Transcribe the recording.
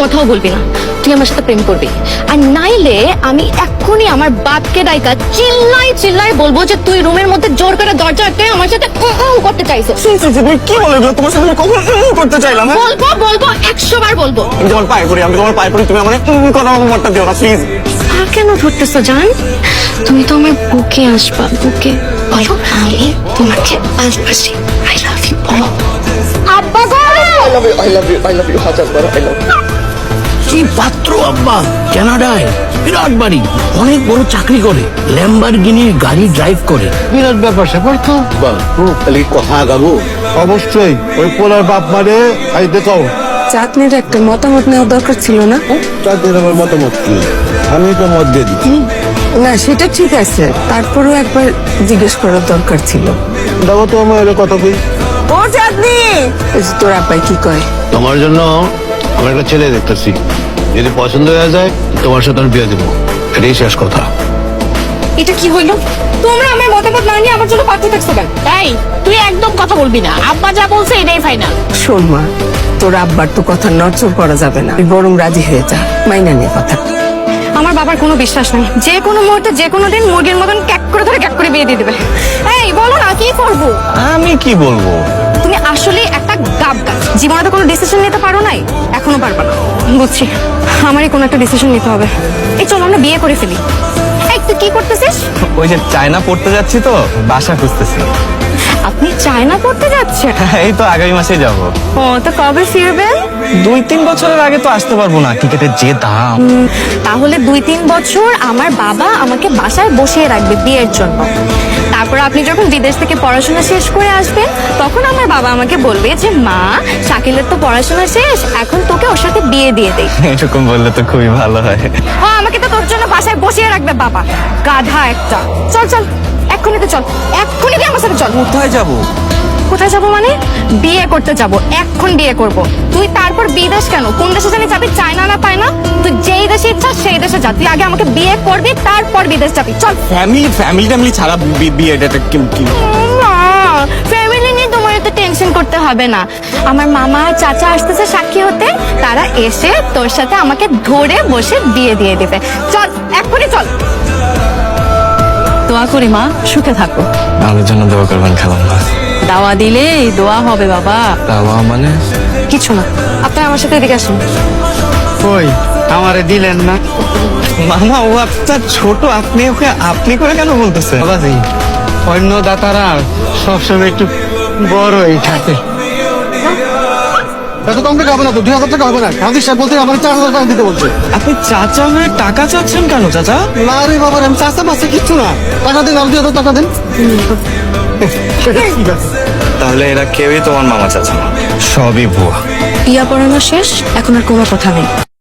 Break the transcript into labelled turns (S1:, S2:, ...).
S1: কথাও বলবি না, তুই আমার সাথে প্রেম করবি। আর নাইলে আমি এক্ষুনি আমার বাপকে ডাইকা চিল্লাই চিল্লাই বলবো যে তুই রুমের মধ্যে জোর করে দরজা আটকে আমার সাথে করতে চাইছিস।
S2: তুমি কি বলে এগুলো? তোমার সাথে আমি কখন করতে চাইলাম?
S1: বলবো বলবো 100 বার বলবো।
S2: আমি তোমার পায়ে পড়ি, আমি তোমার পায়ে পড়ি, তুমি আমার কোনো মতটা দিও না প্লিজ।
S1: আর কেন ধরতেছো জান? তুমি তো আমার বুকে আসবা, বুকে বলো আমি তোমাকে ভালোবাসি। I love you. আব্বা গো,
S2: I love you, I love you, I love you, হাজার বার আই লাভ ইউ।
S3: কি পাত্র আব্বা, কানাডায় বিরাট বাড়ি, অনেক বড় চাকরি করে, ল্যাম্বরগিনির গাড়ি ড্রাইভ করে, বিরাট ব্যাপার স্যাপার তো।
S4: খালি কথা গাবো অবশ্যই ওই পোলার বাপ মানে আইতে কও।
S5: চাঁদনির একটা মতামত নেওয়া দরকার ছিল না?
S4: তাদের আমার মতামত কি, আমি তো মত দিয়ে দিচ্ছি।
S5: না সেটা ঠিক আছে, তারপরেও একবার জিজ্ঞেস করার দরকার ছিল।
S4: দেখো তো আমার এর কথা কই।
S5: ও চাঁদনি, এই যে তোর আব্বাই কি কয়?
S4: তোমার জন্য আমি একটা ছেলে দেখতেছি, যদি পছন্দ হয়ে যায় তোমার সাথে আমি বিয়ে দেবো, এটাই শেষ কথা।
S1: এটা কি হইলো? তোমরা আমার মতামত না নিয়ে আমার জন্য পাঠিয়ে থাকছো কেন?
S6: এই তুই একদম কথা বলবি না, আব্বা যা বলছে এটাই ফাইনাল।
S5: শোন মা, তোর আব্বার তো কথা নড়চড় করা যাবে না, তুই বরং রাজি হয়ে যা, মাইনা নিয়ে কথা।
S1: আমার বাবার কোনো বিশ্বাস নেই, যে কোনো মুহূর্তে যে কোনো দিন মুরগির মতন ক্যাক করে ধরে ক্যাক করে বিয়ে দিয়ে দেবে। এই বলো না কি করবো?
S2: আমি কি বলবো?
S1: তুমি আসলে একটা গাব গাছ, জীবনে তো কোনো ডিসিশন নিতে পারো নাই, এখনো পারবা না। বুঝছি, আমারই কোনো একটা ডিসিশন নিতে হবে। এই চলো আমরা বিয়ে করে ফেলি। এই তুই কি করতেছিস?
S2: ওই যে চায়না পড়তে যাচ্ছি তো, বাসা খুঁজতেছি।
S1: আপনি চায়না পড়তে যাচ্ছেন?
S2: এই তো আগামী মাসে যাব।
S1: ও তো কবে ফিরবেন?
S2: 2-3 বছরের আগে তো আসতে পারবো না, টিকেটের যে দাম।
S1: তাহলে 2-3 বছর আমার বাবা আমাকে বাসায় বসিয়ে রাখবে বিয়ের জন্য। তারপর আপনি যখন বিদেশ থেকে পড়াশোনা শেষ করে আসবেন, তখন আমার বাবা আমাকে বলবে যে মা, শাকিলের তো পড়াশোনা শেষ, এখন তোকে ওর সাথে বিয়ে দিয়ে দেই।
S2: এরকম বললে তো খুবই ভালো হয়।
S1: ও আমাকে তো তোর জন্য বাসায় বসিয়ে রাখবে বাবা, গাধা একটা। চল চল, এক্ষুনি তো চল, এক্ষুনি তুই আমার সাথে চল।
S2: কোথায় যাব?
S1: কোথায় যাবো মানে? বিয়ে করতে যাব, এখন বিয়ে করব। তুই তারপর বিদেশ কেন? কোন দেশে জানি যাবি, চায়না না পায় না? তুই যেই দেশে ইচ্ছা সেই দেশে যা, তুই আগে আমাকে বিয়ে করবি, তারপর বিদেশ যাবি। চল।
S2: ফ্যামিলি ছাড়া বিয়েটা কি?
S1: ফ্যামিলি নিয়ে তোমার এত টেনশন করতে হবে না। আমার মামা আর চাচা আসতেছে সাক্ষী হতে, তারা এসে তোর সাথে আমাকে ধরে বসে বিয়ে দিয়ে দেবে। চল, এক্ষুনি চল।
S6: দোয়া করি মা, সুখে থাকো।
S2: আমাদের জন্য দোয়া করবেন খালাম্মা।
S6: দাওয়া দিলে দোয়া হবে বাবা।
S2: দাওয়া মানে?
S1: কিছু না, আপনি আমার সাথে এদিকে আসুন।
S7: কই আমারে দিলেন না?
S2: মামা ও আপনার ছোট, আপনি ওকে আপনি করে কেন বলতেছেন?
S7: বাবাজি, অন্য দাতারা সবসময় একটু বড়ই থাকে। এত কম টাকা হবে না তো, 2000 টাকা হবে না। কাজী সাহেব বলতে আমার 4000 টাকা দিতে বলছে।
S2: আপনি চাচা হয়ে টাকা চাচ্ছেন কেন চাচা?
S7: না রে বাবা, আমি চাষা মাসে কিচ্ছু না। টাকা দিন, আর 2000 টাকা দিন। ঠিক আছে।
S2: তাহলে এরা কেউই তোমার মামা চাচা না, সবই ভুয়া।
S1: বিয়া পড়ানো শেষ, এখন আর কোনো কথা নেই।